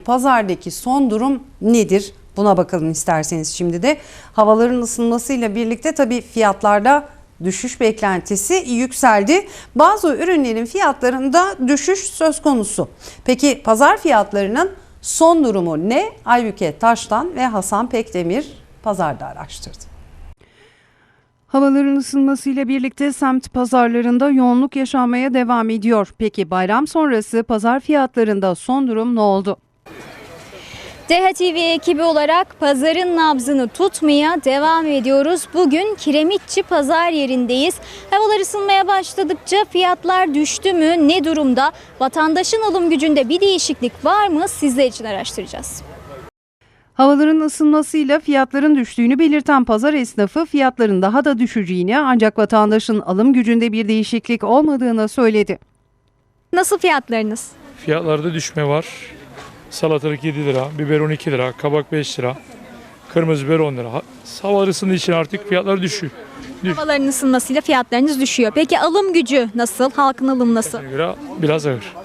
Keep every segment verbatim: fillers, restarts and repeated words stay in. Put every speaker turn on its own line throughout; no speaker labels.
pazardaki son durum nedir? Buna bakalım isterseniz şimdi de. Havaların ısınmasıyla birlikte tabii fiyatlarda düşüş beklentisi yükseldi. Bazı ürünlerin fiyatlarında düşüş söz konusu. Peki pazar fiyatlarının son durumu ne? Aybüke Taştan ve Hasan Pekdemir pazarda araştırdı.
Havaların ısınmasıyla birlikte semt pazarlarında yoğunluk yaşanmaya devam ediyor. Peki bayram sonrası pazar fiyatlarında son durum ne oldu?
D H T V ekibi olarak pazarın nabzını tutmaya devam ediyoruz. Bugün Kiremitçi pazar yerindeyiz. Havalar ısınmaya başladıkça fiyatlar düştü mü? Ne durumda? Vatandaşın alım gücünde bir değişiklik var mı? Sizler için araştıracağız.
Havaların ısınmasıyla fiyatların düştüğünü belirten pazar esnafı fiyatların daha da düşeceğini ancak vatandaşın alım gücünde bir değişiklik olmadığını söyledi.
Nasıl fiyatlarınız?
Fiyatlarda düşme var. Salatalık yedi lira, biber on iki lira, kabak beş lira, kırmızı biber on lira. Hava ısındığı için artık fiyatlar düşüyor. Düş.
Havaların ısınmasıyla fiyatlarınız düşüyor. Peki alım gücü nasıl? Halkın alımı nasıl?
Göre biraz ağır.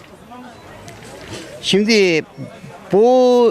Şimdi bu,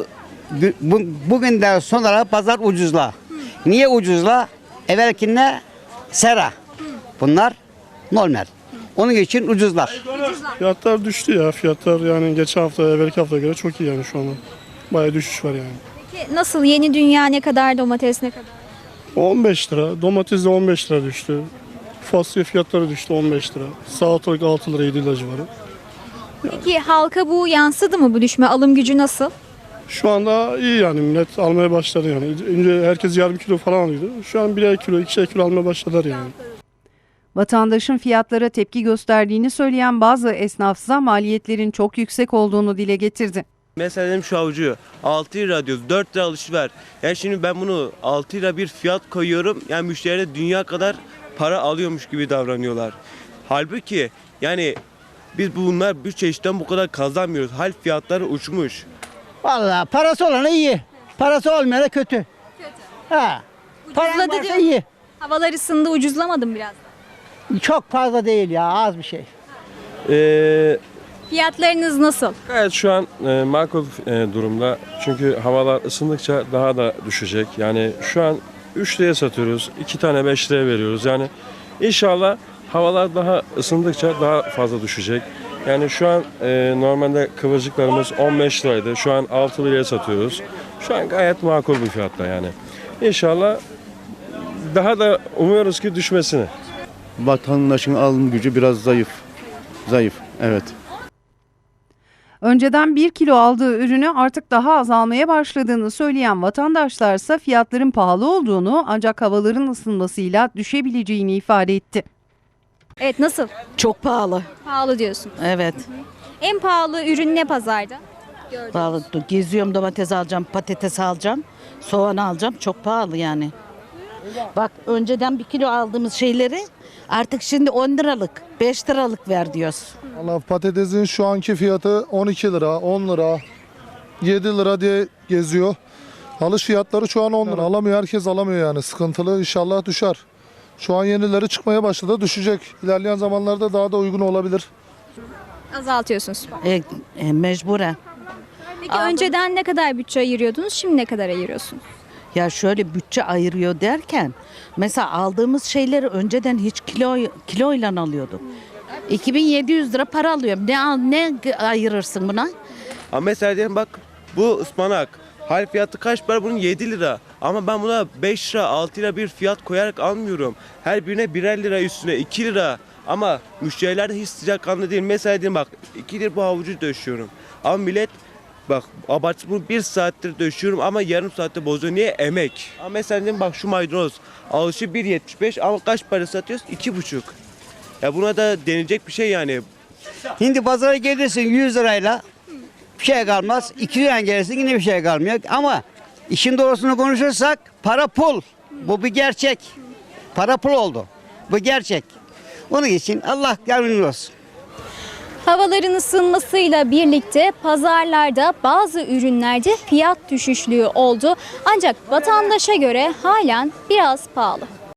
bu bugünden sonra pazar ucuzla. Niye ucuzla? Evvelkinde sera. Bunlar normal. Onun için ucuzlar.
Fiyatlar düştü ya. Fiyatlar yani geçen hafta, evvelki haftaya göre çok iyi yani şu anda. Bayağı düşüş var yani.
Peki nasıl? Yeni dünya ne kadar? Domates ne kadar?
on beş lira. Domates de on beş lira düştü. Fasulye fiyatları düştü on beş lira. Salatalık altı lira yedi lira civarı.
Peki halka bu yansıdı mı bu düşme? Alım gücü nasıl?
Şu anda iyi yani millet almaya başladı yani. Önce herkes yarım kilo falan alıyordu. Şu an birer kilo, ikişer kilo almaya başladılar yani.
Vatandaşın fiyatlara tepki gösterdiğini söyleyen bazı esnafsa maliyetlerin çok yüksek olduğunu dile getirdi.
Mesela dedim şu avucu altı lira diyoruz, dört lira alışver. Yani şimdi ben bunu altı lira bir fiyat koyuyorum. Yani müşteriler dünya kadar para alıyormuş gibi davranıyorlar. Halbuki yani biz bunlar bir çeşitten bu kadar kazanmıyoruz. Hal fiyatları uçmuş.
Vallahi parası olana iyi. Parası olmayana kötü. Kötü. Ha. Paran
Ucuzladı
varsa
diyor.
iyi.
Havalar ısındı, ucuzlamadım biraz.
Çok fazla değil ya, az bir şey.
Ee,
Fiyatlarınız nasıl?
gayet şu an e, makul e, durumda. Çünkü havalar ısındıkça daha da düşecek. Yani şu an üç liraya satıyoruz. iki tane beş liraya veriyoruz. Yani inşallah havalar daha ısındıkça daha fazla düşecek. Yani şu an e, normalde kıvırcıklarımız on beş liraydı. Şu an altı liraya satıyoruz. Şu an gayet makul bir fiyatta yani. İnşallah daha da umuyoruz ki düşmesini.
Vatandaşın alım gücü biraz zayıf. Zayıf, evet.
Önceden bir kilo aldığı ürünü artık daha az almaya başladığını söyleyen vatandaşlarsa fiyatların pahalı olduğunu ancak havaların ısınmasıyla düşebileceğini ifade etti.
Evet, nasıl?
Çok pahalı.
Pahalı diyorsun.
Evet.
En pahalı ürün ne pazarda?
Pahalı. Geziyorum, domates alacağım, patates alacağım, soğan alacağım. Çok pahalı yani. Bak önceden bir kilo aldığımız şeyleri artık şimdi on liralık, beş liralık ver diyoruz.
Vallahi patatesin şu anki fiyatı on iki lira, on lira, yedi lira diye geziyor. Alış fiyatları şu an on lira. Alamıyor, herkes alamıyor yani. Sıkıntılı, inşallah düşer. Şu an yenileri çıkmaya başladı, düşecek. İlerleyen zamanlarda daha da uygun olabilir.
Azaltıyorsunuz.
E, e, mecburen.
Peki önceden ne kadar bütçe ayırıyordunuz? Şimdi ne kadar ayırıyorsunuz?
Ya şöyle bütçe ayırıyor derken mesela aldığımız şeyleri önceden hiç kilo kiloyla alıyorduk. iki bin yedi yüz lira para alıyorum. Ne al ne ayırırsın buna?
Ama mesela diyelim bak bu ıspanak. Hal fiyatı kaç para? Bunun yedi lira. Ama ben buna beş lira, altı lira bir fiyat koyarak almıyorum. Her birine birer lira üstüne iki lira. Ama müşteriler de hiç sıcakkanlı değil. Mesela diyelim bak iki lira bu havucu döşüyorum. Ama millet bak abartı bunu bir saattir döşüyorum ama yarım saatte bozuyor. Niye? Emek. Ama mesela diyelim bak şu maydanoz. Alışı bir yetmiş beş ama kaç para satıyoruz? iki buçuk. Ya buna da denilecek bir şey yani.
Şimdi pazara gelirsin yüz lirayla bir şey kalmaz. iki liraya gelirsin yine bir şey kalmıyor. Ama işin doğrusunu konuşursak para pul. Bu bir gerçek. Para pul oldu. Bu gerçek. Onun için Allah yardımcımız olsun.
Havaların ısınmasıyla birlikte pazarlarda bazı ürünlerde fiyat düşüşlüğü oldu. Ancak vatandaşa göre halen biraz pahalı.